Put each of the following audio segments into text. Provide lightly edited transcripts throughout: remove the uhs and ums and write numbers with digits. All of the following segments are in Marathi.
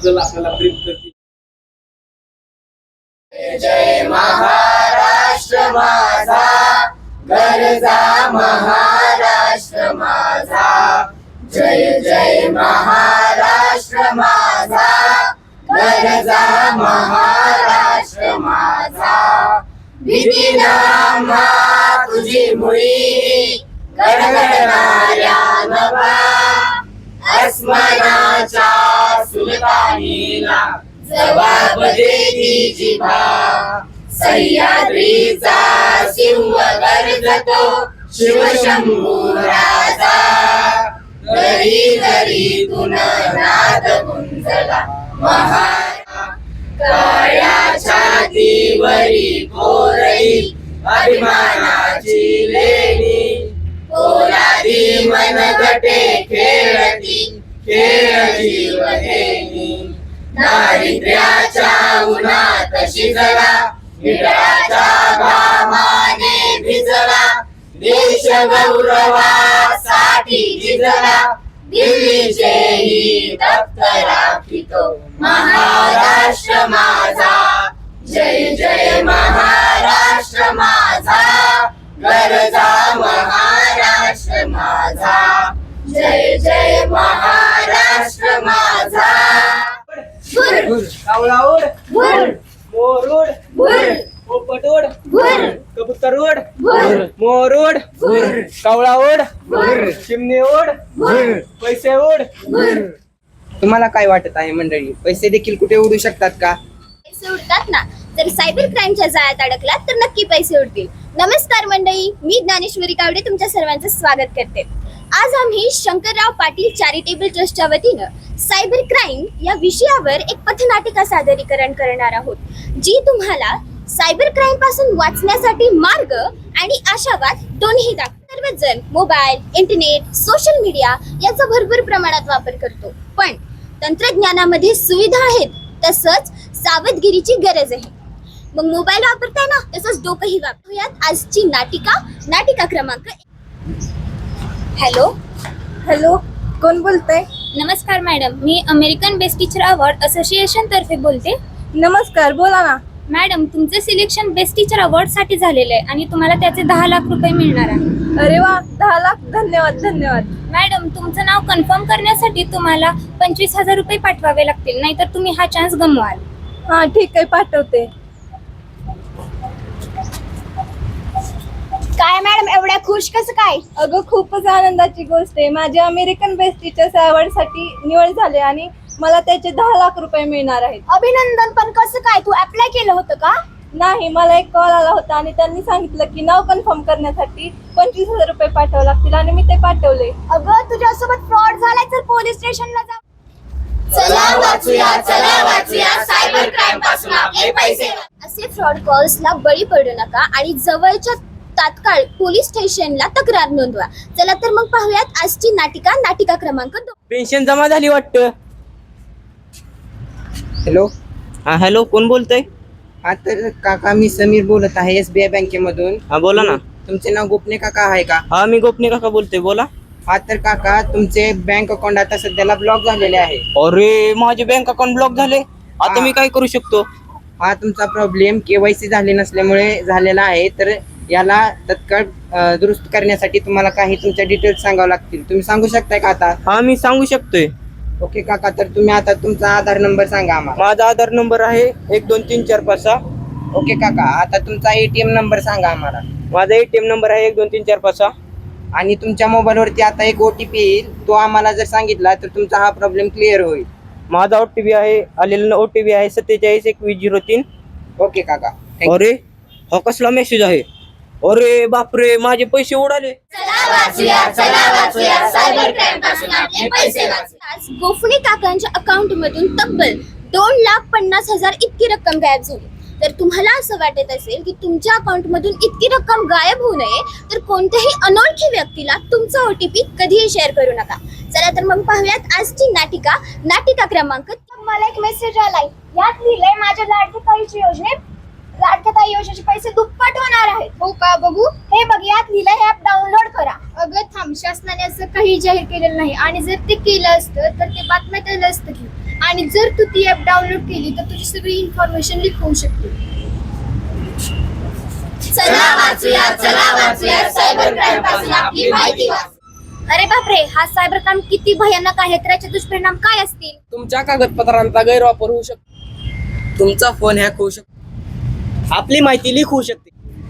त्याबद्दल आपल्याला ब्रीफ करतील. जय महाराष्ट्र माझा, गरजा महाराष्ट्र माझा. जय जय महाराष्ट्र माझा, गरजा महाराष्ट्र माझा. भीती आम्हा तुझी मुळी, गडगडणाऱ्या नभा, अस्मनाच्या सुलतानीला जबाब देती जिभा. सह्याद्रीचा सिंह गर्जतो शिवशंभू राजा, दरी दरीतून नाद गुंजला महारा. काळ्या छातीवरी कोरई अभिमानाची लेणी, पोलादी मनगटे खेळती खेळ जीवनेनी. दारिद्र्याच्या उन्हात शिजला, हिटळाच्या घामाने भिजला, देश गौरवासाठी झिजला, दिल्लीचेही दप्तर राखितो महाराष्ट्र माझा. जय जय महाराष्ट्र माझा, गरजा महाराष्ट्र माझा. जय जय महाराष्ट्र माझा. कावळा उड, मोर उड, पोपट उड, कबूतर उड, मोर उड, कावळा उड, चिमणी उड, पैसे उड. तुम्हाला काय वाटत आहे मंडळी, पैसे देखील कुठे उडू शकतात का? पैसे उडतात ना. जर सायबर क्राईमच्या जाळ्यात अडकलात तर नक्की पैसे उडतील. नमस्कार मंडळी, मी ज्ञानेश्वरी कावडे तुमच्या सर्वांचं स्वागत करते. आज आम्ही शंकरराव पाटील चॅरिटेबल ट्रस्टच्या वतीनं सायबर क्राईम या विषयावर एक पथनाटिका सादरीकरण करणार आहोत, जी तुम्हाला सायबर क्राईम पासून वाचण्यासाठी मार्ग आणि आशावाद दोन्ही दाखवतात. सर्वजण मोबाईल, इंटरनेट, सोशल मीडिया याचा भरपूर प्रमाणात वापर करतो, पण तंत्रज्ञानामध्ये सुविधा आहेत तसंच सावधगिरीची गरज आहे. मग मोबाईल वापरताय ना, तसंच डोकंही वापरूयात. आजची नाटिका क्रमांक. हॅलो, कोण बोलतंय? नमस्कार मॅडम, मी American best teacher award association तर्फे बोलते. नमस्कार, बोला ना. मॅडम, तुमचं सिलेक्शन बेस्ट टीचर अवॉर्ड साठी झालेलं आहे आणि तुम्हाला त्याचे 10 लाख रुपये मिळणार आहे. अरे वा, 10 लाख. धन्यवाद. मॅडम, तुमचं नाव कन्फर्म करण्यासाठी तुम्हाला 25,000 रुपये पाठवावे लागतील, नाहीतर तुम्ही हा चान्स गमवाल. हा ठीक आहे, पाठवते. काय मॅडम, एवढ्या खुश कसं काय? अगं, खूपच आनंदाची गोष्ट आहे. माझे अमेरिकन बेस्ट टीचर्स अवॉर्ड साठी निवड झाले आणि मला त्याचे 10 लाख रुपये मिळणार आहेत. अभिनंदन. पण कसं काय, तू अप्लाय केलं होतं का? नाही, मला एक कॉल आला होता आणि त्यांनी सांगितलं की नाव कन्फर्म करण्यासाठी 25,000 रुपये पाठवावे लागतील आणि मी ते पाठवले. अगं, तुझ्यासोबत फ्रॉड झालाय तर पोलीस स्टेशनला जा. चला वाचूया सायबर क्राईम पासून आपले पैसे. असे फ्रॉड कॉल्सला बळी पडू नका आणि जवळच्या तात्काळ पोलीस स्टेशनला तक्रार नोंदवा. चला तर मग पाहूयात आजची नाटिका क्रमांक 2. पेन्शन जमा झाली वाटतं. हॅलो. हा हॅलो, कोण बोलतोय? हा तर काका, मी समीर बोलत आहे SBI बँकेमधून. हा बोला ना. तुमचे नाव गोपने काका आहे का? हा, मी गोपने काका बोलतोय, बोला. हा तर काका, तुमचे बँक अकाउंट आता सध्याला ब्लॉक झालेले आहे. अरे, माझे बँक अकाउंट ब्लॉक झाले. आता मी काय करू शकतो? हा तुमचा प्रॉब्लेम KYC झाले नसल्यामुळे झालेला आहे. तर याला तत्काळ दुरुस्त करण्यासाठी तुम्हाला काही तुमच्या डिटेल्स सांगावं लागतील. तुम्ही सांगू शकताय का आता? हा, मी सांगू शकतोय. ओके काका, तर तुम्ही आता तुमचा आधार नंबर सांगा आम्हाला. माझा आधार नंबर आहे 1 2 3 4 5 6. ओके काका, आता तुमचा ATM नंबर सांगा आम्हाला. माझा ATM नंबर आहे 1 2 3 4 5 6. आणि तुमच्या मोबाईलवरती आता एक OTP येईल, तो आम्हाला जर सांगितला तर तुमचा हा प्रॉब्लेम क्लिअर होईल. माझा OTP आहे, आलेला OTP आहे 27 2103. ओके काका, थँक्यू. अरे, हा कसला मेसेज आहे? अरे बापरे, माझे पैसे उडाले. चला वाचूया सायबर क्राईम पासून आपले पैसे. आज गोफणे काकांच्या अकाउंट मधून तब्बल 2,50,000 इतकी रक्कम गायब झाली. तर तुम्हाला असं वाटत असेल की तुमच्या अकाउंट मधून इतकी रक्कम गायब होऊ नये, तर कोणत्याही अनोळखी व्यक्तीला तुमचा OTP कधीही शेअर करू नका. चला तर मग पाहूयात आजची नाटिका क्रमांक. मला एक मेसेज आलाय, यात लिहिलंय माझ्या लाडक्या ताई योजनेचे पैसे दुप्पट होणार आहेत. हो का, बघू. हे बघ, यात लिहिलंय, हे ऍप डाउनलोड करा. अगं थांब, शासनाने असं काही जाहीर केलेलं नाही आणि जर ते केलं असतं तर ते बातम्यात आलं असतं की. आणि जर तू ती ऍप डाउनलोड केली तर तुझी सगळी इन्फॉर्मेशन लीक होऊ शकते. चला वाचूया सायबर क्राईम पासून आपली माहिती वाच. अरे बापरे, हा सायबर क्राईम किती भयानक आहे, तर याचे दुष्परिणाम काय असतील? तुमच्या कागदपत्रांचा गैरवापर होऊ शकतो, तुमचा फोन हॅक होऊ शकतो, आपली माहिती लीक होऊ शकते,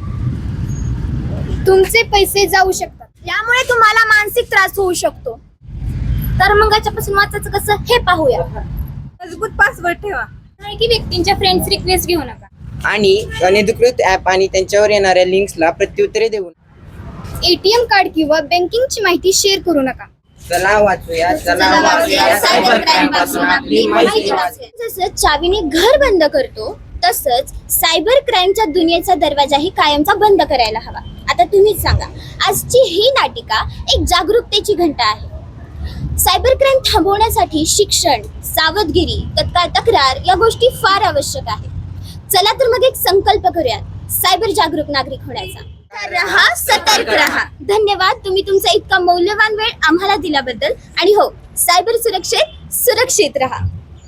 तुमचे पैसे जाऊ शकतात, यामुळे तुम्हाला मानसिक त्रास होऊ शकतो. तर मग याच्यापासून वाचायचं कसं हे पाहूया. मजबूत पासवर्ड ठेवा. की व्यक्तींच्या फ्रेंड्स रिक्वेस्ट घेऊ नका. आणि अनधिकृत ऍप आणि त्यांच्यावर येणाऱ्या लिंक्सला प्रत्युत्तरे देऊन एटीएम कार्ड किंवा बँकिंगची माहिती शेअर करू नका. चला वाचूया सायबर क्राईम पासून आपली माहिती वाच. जसं चावीने घर बंद करतो तसंच सायबर क्राईमच्या दुनियेचा दरवाजाही कायमचा बंद करायला हवा. आता तुम्हीच सांगा, आजची ही नाटिका एक जागरूकतेची घंटा आहे. सायबर क्राईम थांबवण्यासाठी शिक्षण, सावधगिरी, तत्काळ तक्रार या गोष्टी फार आवश्यक आहेत. चला तर मग एक संकल्प करूयात सायबर जागरूक नागरिक होण्याचा. रहा, सतर्क रहा. धन्यवाद तुम्ही तुमचा इतका मौल्यवान वेळ आम्हाला दिल्याबद्दल. आणि हो, सायबर सुरक्षेत सुरक्षित रहा.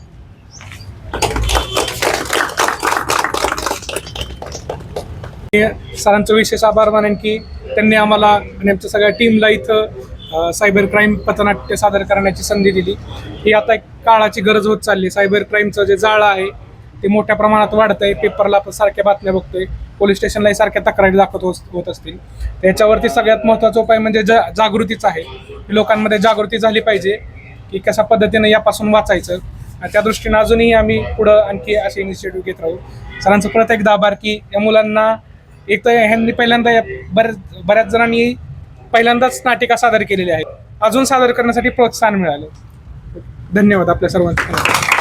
सरांचं विशेष आभार मानेन की त्यांनी आम्हाला आणि आमच्या सगळ्या टीमला इथं सायबर क्राईम पथनाट्य सादर करण्याची संधी दिली. ही आता एक काळाची गरज होत चालली. सायबर क्राईमचं जे जाळं आहे ते मोठ्या प्रमाणात वाढत आहे. पेपरला आपण सारख्या बातम्या बघतोय, पोलीस स्टेशनलाही सारख्या तक्रारी दाखवत होत असतील. त्याच्यावरती सगळ्यात महत्त्वाचा उपाय म्हणजे जागृतीचा आहे. लोकांमध्ये जागृती झाली पाहिजे की कशा पद्धतीने यापासून वाचायचं. आणि त्या दृष्टीनं अजूनही आम्ही पुढं आणखी असे इनिशिएटिव्ह घेत राहू. सरांचं परत एकदा आभार की या मुलांना एक तर ह्यांनी पहिल्यांदा बऱ्याच जणांनी पहिल्यांदाच नाटिका सादर केलेली आहे. अजून सादर करण्यासाठी प्रोत्साहन मिळालं. धन्यवाद आपल्या सर्वांचं.